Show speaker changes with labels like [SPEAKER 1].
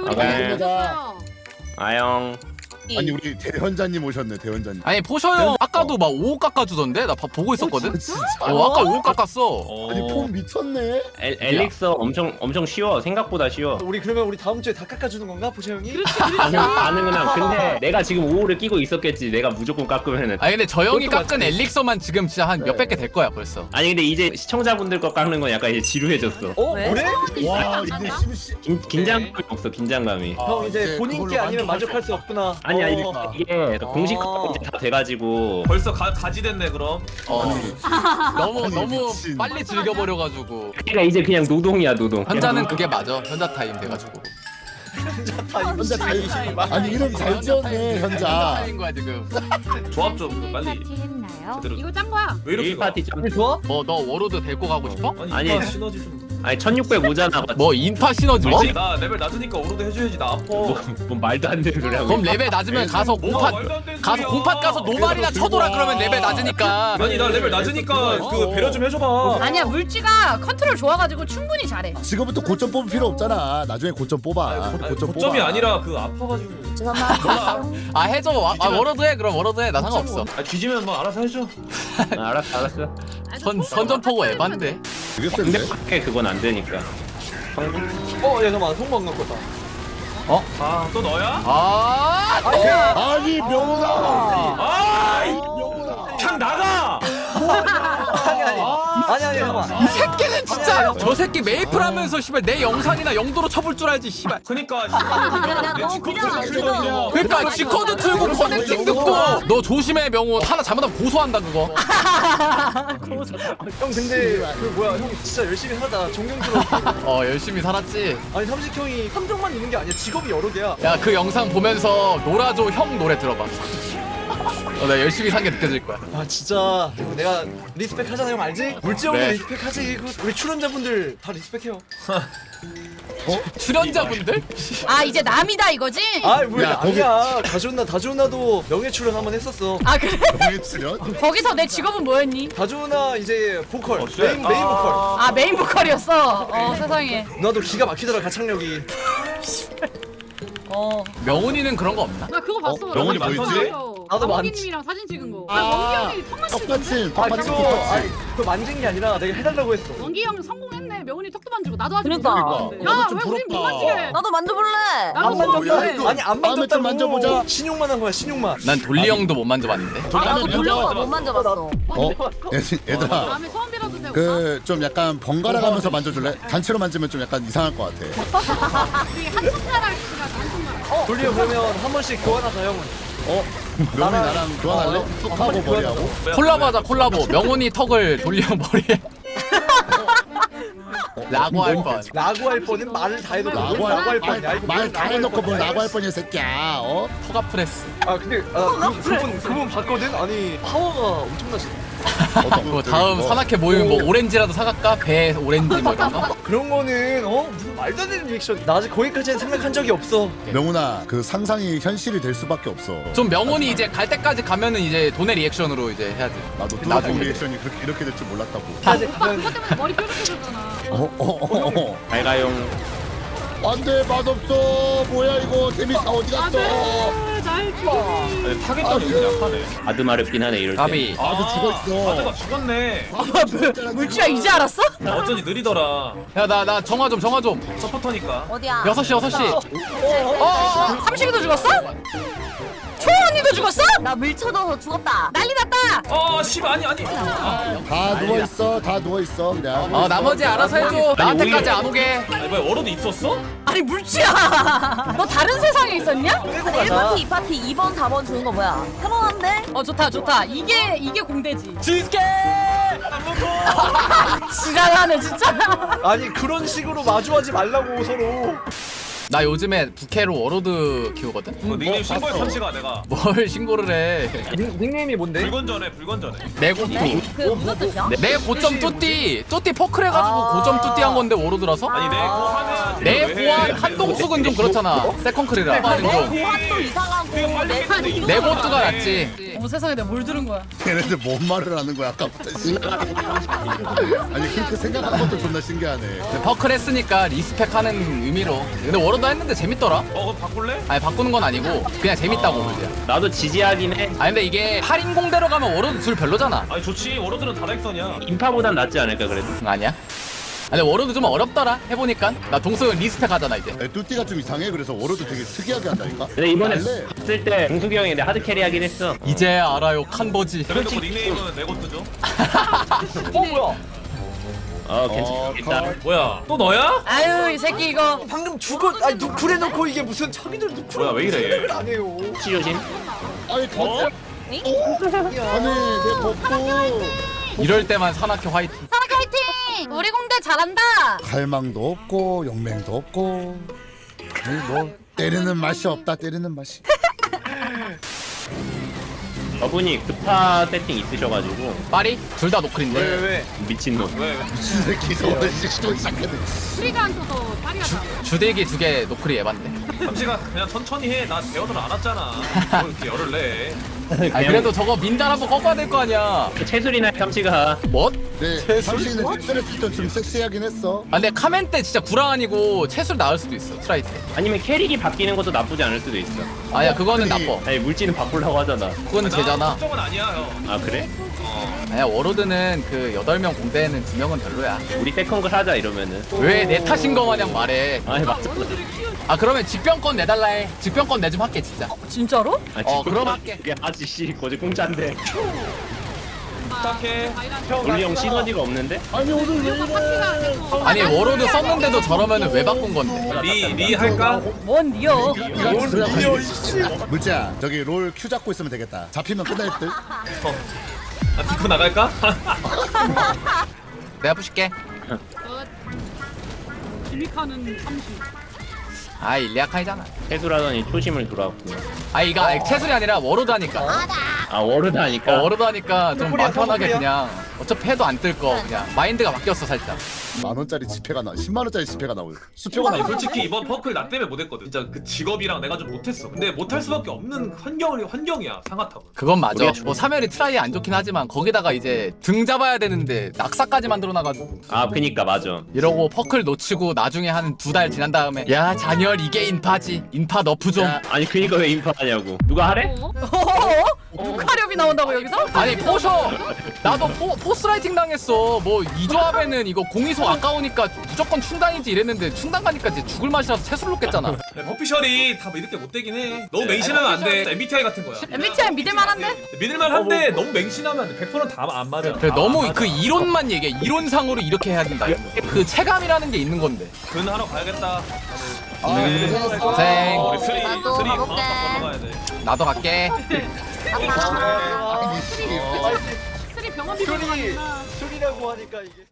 [SPEAKER 1] 우리
[SPEAKER 2] 네.
[SPEAKER 1] 오셨어요.
[SPEAKER 2] 아영.
[SPEAKER 3] 아니 우리 대현자님 오셨네 대현자님.
[SPEAKER 4] 아니 포셔 형 아까도 막 5억 깎아주던데? 나 보고 있었거든?
[SPEAKER 3] 진짜?
[SPEAKER 4] 아까 5억 깎았어.
[SPEAKER 3] 아니 폼 미쳤네.
[SPEAKER 2] 엘릭서 엄청 쉬워. 생각보다 쉬워.
[SPEAKER 5] 우리 그러면 우리 다음 주에 다 깎아주는 건가 보셔 형이?
[SPEAKER 2] 가능은 근데 내가 지금 5호를 끼고 있었겠지. 내가 무조건 깎으면은.
[SPEAKER 4] 아니 근데 저 형이
[SPEAKER 5] 그것도
[SPEAKER 4] 깎은 엘릭서만 지금 진짜 한 몇백 개 될 거야 벌써.
[SPEAKER 2] 아니 근데 이제 시청자분들 거 깎는 건 약간 이제 지루해졌어.
[SPEAKER 5] 어
[SPEAKER 1] 왜?
[SPEAKER 5] 그래?
[SPEAKER 3] 와 이제 심시.
[SPEAKER 2] 긴장감이 없어. 긴장감이.
[SPEAKER 5] 형 이제 본인 게 아니면 만족할 수 없구나.
[SPEAKER 2] 아니
[SPEAKER 5] 어.
[SPEAKER 2] 이게 공식 거 이제 다 돼가지고.
[SPEAKER 6] 벌써 가지 됐네 그럼.
[SPEAKER 4] 너무
[SPEAKER 3] 아니,
[SPEAKER 4] 너무
[SPEAKER 3] 미친.
[SPEAKER 4] 빨리 즐겨버려가지고.
[SPEAKER 2] 그러니까 이제 그냥 노동이야 노동.
[SPEAKER 4] 현자는 그게 맞아. 현자 타임 돼가지고.
[SPEAKER 3] 현자 잘. 아니 이름 잘 지었네
[SPEAKER 4] 현자
[SPEAKER 3] 현자.
[SPEAKER 4] 타임인 거야 지금.
[SPEAKER 6] 조합 좀 빨리.
[SPEAKER 1] 했나요?
[SPEAKER 6] 제대로.
[SPEAKER 1] 이거 짠 거야.
[SPEAKER 6] 왜 이렇게
[SPEAKER 2] 1파티 좀.
[SPEAKER 5] 좋아?
[SPEAKER 4] 뭐 너 워로드 데리고 가고 싶어?
[SPEAKER 2] 아니.
[SPEAKER 6] 아니 시너지 좀.
[SPEAKER 2] 아니 1600 오잖아.
[SPEAKER 4] 뭐 인파 시너지 뭐?
[SPEAKER 6] 아니, 나 레벨 낮으니까 오로드 해줘야지 나 아파.
[SPEAKER 2] 뭐 말도 안 되는 소리 하고.
[SPEAKER 4] 그럼 레벨 낮으면 가서
[SPEAKER 6] 뭐가
[SPEAKER 4] 공팟
[SPEAKER 6] 말도 안 되는
[SPEAKER 4] 가서
[SPEAKER 6] 소리야.
[SPEAKER 4] 공팟 가서 노말이나 쳐둬라 그러면 레벨 낮으니까.
[SPEAKER 6] 아니 나 레벨 낮으니까 그 배려 좀 해줘봐.
[SPEAKER 1] 아니야 물지가 컨트롤 좋아가지고 충분히 잘해.
[SPEAKER 3] 지금부터 고점 뽑을 필요 없잖아. 나중에 고점 뽑아.
[SPEAKER 6] 아니,
[SPEAKER 3] 고점
[SPEAKER 6] 고점이
[SPEAKER 3] 뽑아.
[SPEAKER 6] 아니라 그 아파가지고.
[SPEAKER 4] 아 해줘. 아 워로드 해 그럼 워로드 해. 나 상관없어.
[SPEAKER 6] 아 뒤지면 뭐 알아서 해줘.
[SPEAKER 2] 알았어.
[SPEAKER 4] 선전포고 에반데.
[SPEAKER 3] 되게 센데.
[SPEAKER 2] 근데 밖에 그건 안 되니까.
[SPEAKER 5] 어, 야 잠깐만 성공 안 거다.
[SPEAKER 6] 아 또 너야?
[SPEAKER 4] 아
[SPEAKER 3] 아니 명훈아.
[SPEAKER 6] 아
[SPEAKER 3] 명훈아.
[SPEAKER 6] 그냥 나가.
[SPEAKER 5] 아니 잠깐만.
[SPEAKER 4] 이 새끼는 진짜 저 새끼 메이플 하면서 씨발 내 영상이나 영도로 쳐볼 줄 알지 씨발.
[SPEAKER 6] 그니까.
[SPEAKER 1] 너 그냥 안
[SPEAKER 6] 어
[SPEAKER 4] 그러니까 지코드 틀고 커넥팅 듣고 너 조심해 명호 하나 잘못하면 고소한다 그거.
[SPEAKER 5] 형 근데 그 뭐야 형 진짜 열심히 하다 존경스러워.
[SPEAKER 4] 열심히 살았지.
[SPEAKER 5] 아니 삼식 형이 함정만 있는 게 아니야. 직업이 여러 개야.
[SPEAKER 4] 야 그 영상 보면서 놀아줘 형 노래 들어봐. 나 열심히 산 게 느껴질 거야.
[SPEAKER 5] 아 진짜 이거 내가 리스펙 하잖아 형 알지? 물지 형도
[SPEAKER 4] 네.
[SPEAKER 5] 리스펙 하지. 우리 출연자분들 다 리스펙해요.
[SPEAKER 4] 출연자분들?
[SPEAKER 1] 아 이제 남이다 이거지?
[SPEAKER 5] 아 뭐야
[SPEAKER 3] 야, 거기-
[SPEAKER 5] 아니야. 다주나도 명예 출연 한번 했었어.
[SPEAKER 1] 아 그래?
[SPEAKER 3] 명예 출연?
[SPEAKER 1] 거기서 내 직업은 뭐였니?
[SPEAKER 5] 다주나 이제 보컬
[SPEAKER 6] 진짜?
[SPEAKER 5] 메인 보컬.
[SPEAKER 1] 아 메인 보컬이었어. 세상에.
[SPEAKER 5] 누나도 기가 막히더라 가창력이.
[SPEAKER 4] 명훈이는 그런 거 없나?
[SPEAKER 1] 나 그거 봤어.
[SPEAKER 3] 명훈이
[SPEAKER 1] 나
[SPEAKER 3] 뭐
[SPEAKER 1] 봤어.
[SPEAKER 3] 있지?
[SPEAKER 5] 나도
[SPEAKER 1] 원기님이랑 사진 찍은 거.
[SPEAKER 3] 아.
[SPEAKER 1] 원기 형이 턱만 찍은
[SPEAKER 3] 똑같이
[SPEAKER 5] 아
[SPEAKER 3] 똑같이
[SPEAKER 5] 그거
[SPEAKER 3] 똑같이.
[SPEAKER 5] 그거 만진 게 아니라 내가 해달라고 했어.
[SPEAKER 1] 원기 형 성공했네. 명훈이 턱도 만지고 나도 아직
[SPEAKER 7] 그러니까.
[SPEAKER 1] 못했는데.
[SPEAKER 3] 너무
[SPEAKER 1] 야,
[SPEAKER 3] 좀
[SPEAKER 1] 왜 우린 못
[SPEAKER 3] 부럽다.
[SPEAKER 1] 만지게?
[SPEAKER 7] 나도 만져볼래.
[SPEAKER 1] 나도
[SPEAKER 5] 안
[SPEAKER 1] 소원
[SPEAKER 5] 만졌다.
[SPEAKER 1] 빌래.
[SPEAKER 3] 이거.
[SPEAKER 5] 아니 안
[SPEAKER 3] 다음에 좀
[SPEAKER 5] 만졌다고.
[SPEAKER 3] 만져보자.
[SPEAKER 5] 신용만 한 거야 신용만.
[SPEAKER 4] 난 돌리 형도 못 만져봤는데.
[SPEAKER 7] 나도 돌려봐
[SPEAKER 6] 만져봤어.
[SPEAKER 7] 못 만져봤어.
[SPEAKER 3] 얘들아.
[SPEAKER 1] 다음에 소원 빌어도 돼.
[SPEAKER 3] 그 좀 약간 번갈아 가면서 만져줄래? 단체로 만지면 좀 약간 이상할 것 같아.
[SPEAKER 1] 우리 한 손가락 씨가 한 손가락.
[SPEAKER 5] 돌려 그러면 한 번씩 교환하자 형은.
[SPEAKER 3] 명훈이 나랑 교환할래? 턱하고 머리하고.
[SPEAKER 4] 콜라보 하자 콜라보. 명훈이 턱을 돌리 형 머리에. 라고 할 뻔.
[SPEAKER 5] 라고 할 뻔은 말을 다 해도
[SPEAKER 3] 라고
[SPEAKER 5] 할 뻔이야. 이거
[SPEAKER 3] 말
[SPEAKER 5] 뭘
[SPEAKER 3] 다 해놓고 뭘 라고 할 뻔이야 새끼야.
[SPEAKER 4] 터가 프레스.
[SPEAKER 5] 아 근데 그분 봤거든. 아니 파워가 엄청나시네.
[SPEAKER 4] 뭐 다음 산악회 모이면 뭐 오렌지라도 사갈까? 배 오렌지 뭐 이런 거?
[SPEAKER 5] 그런 거는 무슨 말도 안 되는 리액션. 나 아직 거기까지는 생각한 적이 없어.
[SPEAKER 3] 명훈아 그 상상이 현실이 될 수밖에 없어.
[SPEAKER 4] 좀 명훈이 이제 갈 때까지 가면은 이제 돈의 리액션으로 이제 해야지.
[SPEAKER 3] 나도
[SPEAKER 4] 나중에.
[SPEAKER 3] 뚜라고 리액션이 그렇게 이렇게 될 줄 몰랐다고.
[SPEAKER 5] 아직
[SPEAKER 1] 오빠
[SPEAKER 5] 가면
[SPEAKER 1] 그것 때문에 머리 뾰족해졌잖아.
[SPEAKER 2] 발가용.
[SPEAKER 3] 안돼 맛없어. 뭐야 이거 데미사 어디 갔어?
[SPEAKER 1] 잘 죽이네.
[SPEAKER 6] 타겟감이 좀 약하네.
[SPEAKER 2] 아드마렵긴 하네 이럴 때.
[SPEAKER 4] 가비.
[SPEAKER 3] 아너 죽어
[SPEAKER 6] 아드가
[SPEAKER 3] 있어.
[SPEAKER 6] 죽었네.
[SPEAKER 1] 물지야 이제 알았어?
[SPEAKER 6] 어쩐지 느리더라.
[SPEAKER 4] 야 나 정화 좀.
[SPEAKER 6] 서포터니까.
[SPEAKER 7] 어디야?
[SPEAKER 4] 6시.
[SPEAKER 1] 삼식이도 죽었어? 초언니도 죽었어?
[SPEAKER 7] 나 밀쳐져서 죽었다.
[SPEAKER 1] 난리 났다.
[SPEAKER 6] 씨발 아니.
[SPEAKER 3] 다 누워 있어. 다 누워 있어 그냥.
[SPEAKER 4] 나머지 알아서 해줘. 나한테까지 안 오게.
[SPEAKER 6] 아니 뭐야 워로드 있었어?
[SPEAKER 1] 아니 물지야. 너 다른 세상에 있었냐?
[SPEAKER 5] 끌고 가자.
[SPEAKER 7] 1파티, 2파티, 2번, 4번 주는 거 뭐야? 편안한데?
[SPEAKER 1] 좋다. 이게 공대지.
[SPEAKER 4] 치즈케.
[SPEAKER 1] 지랄하네 진짜.
[SPEAKER 5] 아니 그런 식으로 마주하지 말라고 서로.
[SPEAKER 4] 나 요즘에 부캐로 워로드 키우거든?
[SPEAKER 6] 닉네임 신고해 삼시가 내가.
[SPEAKER 4] 뭘 신고를 해.
[SPEAKER 5] 닉네임이 뭔데?
[SPEAKER 6] 불건전해.
[SPEAKER 4] 내고투.
[SPEAKER 7] 그게 무슨 뜻이야?
[SPEAKER 4] 내 고점 뚜띠 포클 해가지고 고점 뚜띠 한 건데 워로드라서?
[SPEAKER 6] 아니 내 그거 하면
[SPEAKER 4] 내 보안 한동숙은 좀 그렇잖아. 세컨클이라.
[SPEAKER 7] 내 보안도 이상하고
[SPEAKER 4] 내 보트가 낫지.
[SPEAKER 1] 어머 세상에 내가 뭘 들은 거야.
[SPEAKER 3] 걔네들 뭔 말을 하는 거야 아까부터 씨. 아니 그렇게 생각한 것도 존나 신기하네.
[SPEAKER 4] 퍼클 했으니까 리스펙하는 의미로. 근데 워로드 했는데 재밌더라.
[SPEAKER 6] 그럼 바꿀래?
[SPEAKER 4] 아니 바꾸는 건 아니고 그냥 재밌다고 그냥.
[SPEAKER 2] 나도 지지하긴 해.
[SPEAKER 4] 아니 근데 이게 8인공대로 가면 워로드 둘 별로잖아.
[SPEAKER 6] 아니 좋지 워로드는 다렉선이야.
[SPEAKER 2] 인파보단 낫지 않을까 그래도.
[SPEAKER 4] 아니야? 근데 워로드 좀 어렵더라 해보니까. 나 동석은 리스펙 하잖아 이제.
[SPEAKER 3] 뚜띠가 좀 이상해. 그래서 워로드 되게 특이하게 한다니까.
[SPEAKER 2] 근데 이번에
[SPEAKER 3] 원래
[SPEAKER 2] 봤을 때 동숙이 형이 내 하드 캐리하긴 했어.
[SPEAKER 4] 이제 알아요 칸버지.
[SPEAKER 6] 그래도 닉네임은 내것도죠.
[SPEAKER 2] 괜찮겠다.
[SPEAKER 6] 뭐야 또 너야?
[SPEAKER 1] 아유 이 새끼 이거.
[SPEAKER 5] 방금 죽어. 아니 누쿨 해놓고 이게 무슨 자기들 누쿨.
[SPEAKER 6] 뭐야, 왜 이래, 얘?
[SPEAKER 5] 생각을 안 해요.
[SPEAKER 2] 치료심.
[SPEAKER 3] 아니 더. 아니 내 벗고.
[SPEAKER 4] 이럴 때만 산악회 화이팅.
[SPEAKER 1] 사나카 화이팅. 우리 공대 잘한다.
[SPEAKER 3] 갈망도 없고 용맹도 없고. 아니 뭐 때리는 맛이 없다. 때리는 맛이.
[SPEAKER 2] 저분이 급파 세팅 있으셔가지고
[SPEAKER 4] 파리? 둘 다 노클인데.
[SPEAKER 5] 왜?
[SPEAKER 2] 미친놈.
[SPEAKER 3] 미친 새끼 저거 또 시작했네.
[SPEAKER 1] 수리가 안 터서 다리가 나.
[SPEAKER 4] 주대기 두 개 노클이 에반데.
[SPEAKER 6] 잠시가 그냥 천천히 해. 나 대어들 안 왔잖아. 뭘 이렇게 열을 내.
[SPEAKER 4] 아니 그래도 저거 민단 한번 꺾어야 될 거 아니야.
[SPEAKER 2] 채술이나 삼시가
[SPEAKER 4] 뭐?
[SPEAKER 3] 네, 삼시는 엑셀했을 때좀 섹시하긴 했어.
[SPEAKER 4] 아 근데 카멘 때 진짜 구랑 아니고 채술 나을 수도 있어 트라이 때.
[SPEAKER 2] 아니면 캐릭이 바뀌는 것도 나쁘지 않을 수도 있어.
[SPEAKER 4] 아니야 그거는 나빠.
[SPEAKER 2] 아니 물질은 바꾸려고 하잖아.
[SPEAKER 4] 그건 제잖아.
[SPEAKER 6] 걱정은 아니야 형.
[SPEAKER 2] 아 그래?
[SPEAKER 4] 아니야 워로드는 그 8명 공대에는 2명은 별로야.
[SPEAKER 2] 우리 세컨글 하자 이러면은.
[SPEAKER 4] 왜 내 탓인 거 마냥 말해.
[SPEAKER 2] 아니 맞잖아.
[SPEAKER 4] 아 그러면 직병권 내달라 해. 직병권 내 좀 할게 진짜.
[SPEAKER 1] 진짜로?
[SPEAKER 4] 그럼 할게.
[SPEAKER 2] 이게 아저씨 거지 공짜인데.
[SPEAKER 6] 부탁해.
[SPEAKER 2] 우리 형 시너지가 없는데?
[SPEAKER 3] 아니 오늘 왜 이래?
[SPEAKER 4] 아니 워로드 썼는데도 저러면은 왜 바꾼 건데?
[SPEAKER 6] 리 할까?
[SPEAKER 1] 뭔 니어?
[SPEAKER 3] 물자 저기 롤 큐 잡고 있으면 되겠다. 잡히면 끝날 듯.
[SPEAKER 6] 아 디코 나갈까?
[SPEAKER 4] 내가 부실게.
[SPEAKER 1] 기믹하는 30.
[SPEAKER 4] 아 일리아카이잖아.
[SPEAKER 2] 채술하더니 초심을 돌아왔구나.
[SPEAKER 4] 아 이거 채술이 아니라 워로드 하니까.
[SPEAKER 2] 아 워르드 하니까.
[SPEAKER 4] 워로드 하니까 좀
[SPEAKER 5] 뽀뽀리야,
[SPEAKER 4] 맘 편하게
[SPEAKER 5] 뽀뽀리야.
[SPEAKER 4] 그냥 어차피 해도 안 뜰 거 그냥 마인드가 바뀌었어 살짝.
[SPEAKER 3] 10,000원짜리 지폐가 나. 10만원짜리 지폐가 나오요. 수표가
[SPEAKER 6] 아니
[SPEAKER 3] 나오요.
[SPEAKER 6] 솔직히 이번 퍼클 나 때문에 못했거든. 진짜 그 직업이랑 내가 좀 못했어. 근데 못할 수밖에 없는 환경이야 상하탑은.
[SPEAKER 4] 그건 맞아.
[SPEAKER 2] 우리가
[SPEAKER 4] 뭐 사멸이 트라이 안 좋긴 하지만 거기다가 이제 등 잡아야 되는데 낙사까지 만들어놔가지고
[SPEAKER 2] 아 그니까 맞아.
[SPEAKER 4] 이러고 퍼클 놓치고 나중에 한 2달 지난 다음에 야 잔열 이게 인파지. 인파 너프 좀.
[SPEAKER 2] 아니 그니까 왜 인파하냐고. 누가 하래?
[SPEAKER 1] 누카렵이 나온다고 여기서?
[SPEAKER 4] 아니 포셔 나도 포스라이팅 당했어. 뭐 이 조합에는 이거 공이소 아까우니까 무조건 충당이지 이랬는데 충당 가니까 이제 죽을 맛이라서 채술 놓겠잖아.
[SPEAKER 6] 퍼피셜이 다 뭐 이렇게 못되긴 해. 너무 맹신하면 안 돼. MBTI 같은 거야.
[SPEAKER 1] MBTI 믿을만한데?
[SPEAKER 6] 믿을만한데 너무 맹신하면 안 돼. 100%는 다 안 맞아.
[SPEAKER 4] 그래, 너무
[SPEAKER 6] 안 맞아.
[SPEAKER 4] 그 이론만 얘기해. 이론상으로 이렇게 해야 된다. 그 체감이라는 게 있는 건데.
[SPEAKER 6] 근 하러 가야겠다.
[SPEAKER 4] 고생.
[SPEAKER 6] 우리 스리
[SPEAKER 7] 나도
[SPEAKER 6] 스리
[SPEAKER 7] 가볼게.
[SPEAKER 6] 방학간 건너가야 돼.
[SPEAKER 4] 나도 갈게.
[SPEAKER 3] 아니 씨.
[SPEAKER 1] 쓰리 병원 비밀
[SPEAKER 5] 술이라고 하니까 이게.